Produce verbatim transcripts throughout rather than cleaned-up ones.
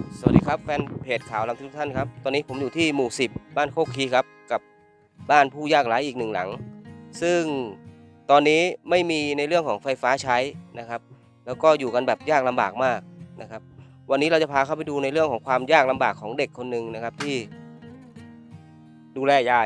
สวัสดีครับแฟนเพจข่าวลำทุกท่านครับตอนนี้ผมอยู่ที่หมู่สิบบ้านโคกคีครับกับบ้านผู้ยากไร้อีกหนึ่งหลังซึ่งตอนนี้ไม่มีในเรื่องของไฟฟ้าใช้นะครับแล้วก็อยู่กันแบบยากลำบากมากนะครับวันนี้เราจะพาเข้าไปดูในเรื่องของความยากลำบากของเด็กคนหนึ่งนะครับที่ดูแลยาย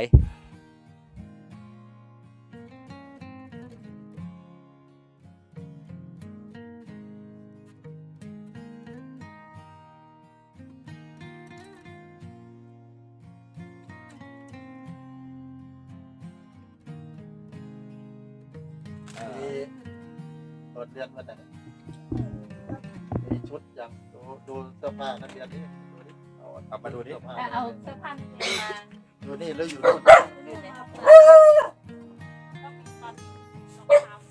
มีเปิดเรียนมาแต่มีชุดอย่างดูดูเสื้อผ้านักเรียนนี่ดูดิเอาเอามาดูดิเอาเสื้อผ้านักเรียนมาดูนี่แล้วอยู่นู่นอยู่ในห้องต้องมีตอนรองเท้า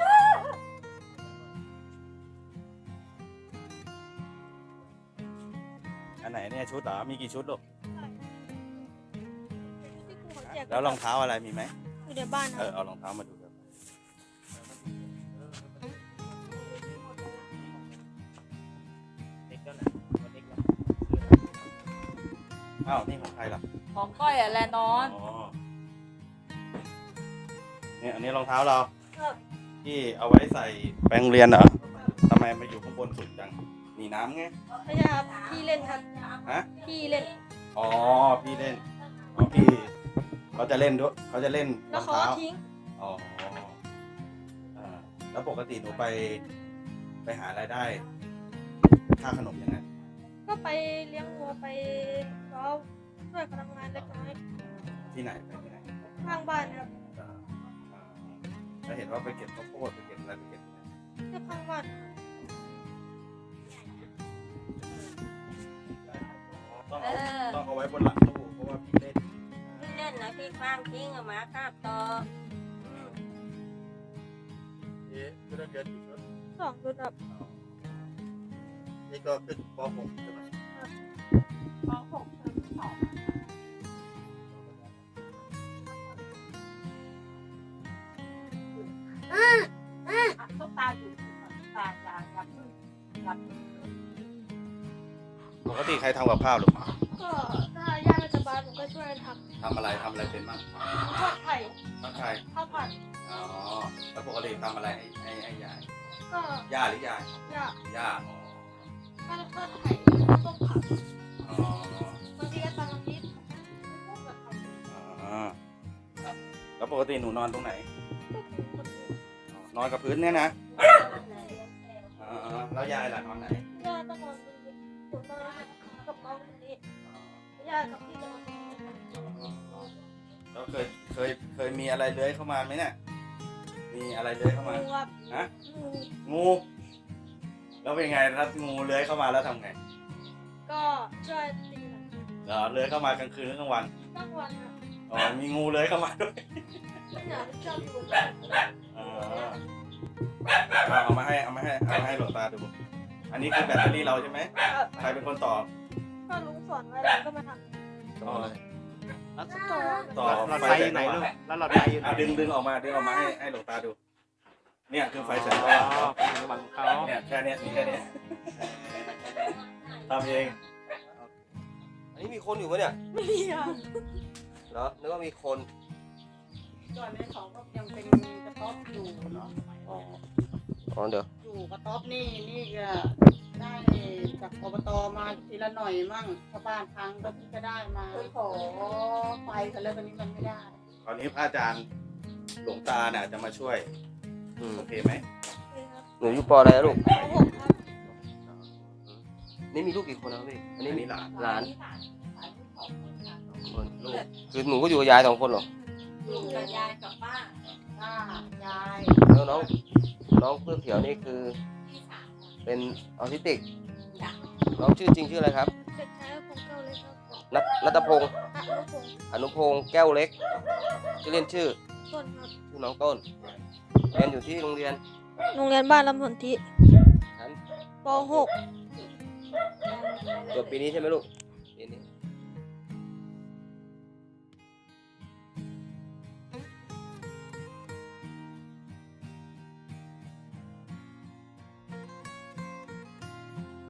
อันไหนเนี่ยชุดเหรอ มีกี่ชุดลูกที่ครูเขาแจกแล้วรองเท้าอะไรมีไหมอยู่ในบ้านเอนะอเอารองเท้ามาดูกันอ้าวนี่ของใครล่ะของก้อยอะแลนอนอ๋อเนี่ยอันนี้รองเท้าเราที่เอาไว้ใส่แปรงเรียนเหรอทำไมมาอยู่ข้างบนสุดจังหนีน้ำไงไม่ใช่ครับพี่เล่นครับฮะพี่เล่นอ๋อพี่เล่นอ๋อพี่เขาจะเล่นด้วยเขาจะเล่นรแล้วองเขาเท้าก็ทิ้งอ๋ออ่าแล้วปกติหนูไปไปหารายได้ค่าขนมยังไงก็ไปเลี้ยงวัวไปก็ช่วยเขาทำงานเล็กน้อยที่ไหนไปที่ไหนข้างบ้านนะครับอ่าอ่าแล้วเห็นว่าไปเก็บข้าวโพดไปเก็บอะไรไปเก็บอะไรแค่ข้างบ้านต้องเอเอาอต้องเอาไว้บนหลังตู้เพราะว่าพี่เล่นพี่เล่นนะพี่คว้างทิ้งเอามาคาบต่อนี่คือนักเรียนอยู่ชุดสองชุดครับนี่ก็ขึ้นป .หก ใช่ไหมปหกเทอมสองอ่ะตุ๊กตาอยู่ตุ๊กตาอย่าอย่าพึ่งอย่าพึ่งปกติใครทำกับข้าวหรือก็ถ้าย่าไม่สบายผมก็ช่วยกันททำอะไรทำอะไรเป็นบ้างำทอดไข่ทักทายข้าวผัดอ๋อแล้วปกติทำอะไรให้ให้ให้ยายก็ย่าหรือยายย่าย่าอ๋อก็ทอดไข่ต้มผักอ๋อบางทีก็ตำน้ำพริกพวกแบบทำอ๋อแล้วปกติหนูนอนตรงไหนก็คือคนอื่นอ๋อนอนกับพื้นเนี่ยนะอ๋อแล้วยายล่ะนอนไหนย่าต้องนอนตรงนี้ผมนอนกับน้องตรงนี้ย่ากับพี่จะนอนตรงนี้แล้วเคยเคยเคยมีอะไรเลื้อยเข้ามาไหมเนี่ยมีอะไรเลื้อยเข้ามางูครับฮะงูงู แล้วเป็นไงถ้างูเลื้อยเข้ามาแล้วทำไงก็ช่วยตีหลังเหรอเลื้อยเข้ามากลางคืนหรือกลางวันตั้งวันครับอ๋อมีงูเลื้อยเข้ามาด้วยไม่อยากชอบอยู่บนอ๋อเอาเอามาให้เอามาให้เอามาให้หลวงตาดูอันนี้คือแบตเตอรี่เราใช่ไหมใครเป็นคนต่อก็ลุงสอนไว้แล้วก็มาทต่อำต่อต่อหลอดไฟไฟอแสยู่งไหนสลูกว่างแล้วหลอดไฟอยู่ไหนอ่ะดึงดึงออกมาดึงออกมาให้ให้หลวงตาดู เนี่ยคือไฟแสงสอ๋ว่างอเป็นระหว่างเขาเนี่ยแค่เนี้ยมีแค่เนี้ยทำเองอันนี้มีคนอยู่ปะเนี่ยไม่มีอ่ะเหรอนึกว่ามีคนส่วนในของก็ยังเป็นกระต๊อบอยู่เนาะอ๋ออ๋อเดี๋ยวอยู่กระต๊อบนี่นี่ก็ได้จากอบตมาทีละหน่อยมั่งชาวบ้านทางก็ที่จะได้มาขอไฟกันแล้วตอนนี้มันไม่ได้คราวนี้พระอาจารย์หลวงตาเนี่ยจะมาช่วยอืมโอเคไหมนี่ครับหนูอยู่ปออะไรนะลูกปหกครับนี่มีลูกกี่คนนะครับพี่อันอันี้นมีนี้หลานหลานที่ผ่านผ่านที่ของคนค่ะคนลูกคือหนูก็อยู่กับยายสองคนเหรออยู่กับยายกับป้าป้ายายแล้วน้องน้องเพื่อเขียวนี่คือพี่สาวเป็นออทิสติกจ้ะน้องชื่อจริงชื่ออะไรครับเด็กชายพงเก้าเลยครับนัทนัทพงศ์อนุพงศ์อนุพงศ์แก้วเล็กชื่อเล่นชื่อต้นครับชื่อน้องต้นเรียนอยู่ที่โรงเรียนโรงเรียนบ้านลำสนธิชั้นปหกจบปีนี้ใช่ไหมลูกปีนี้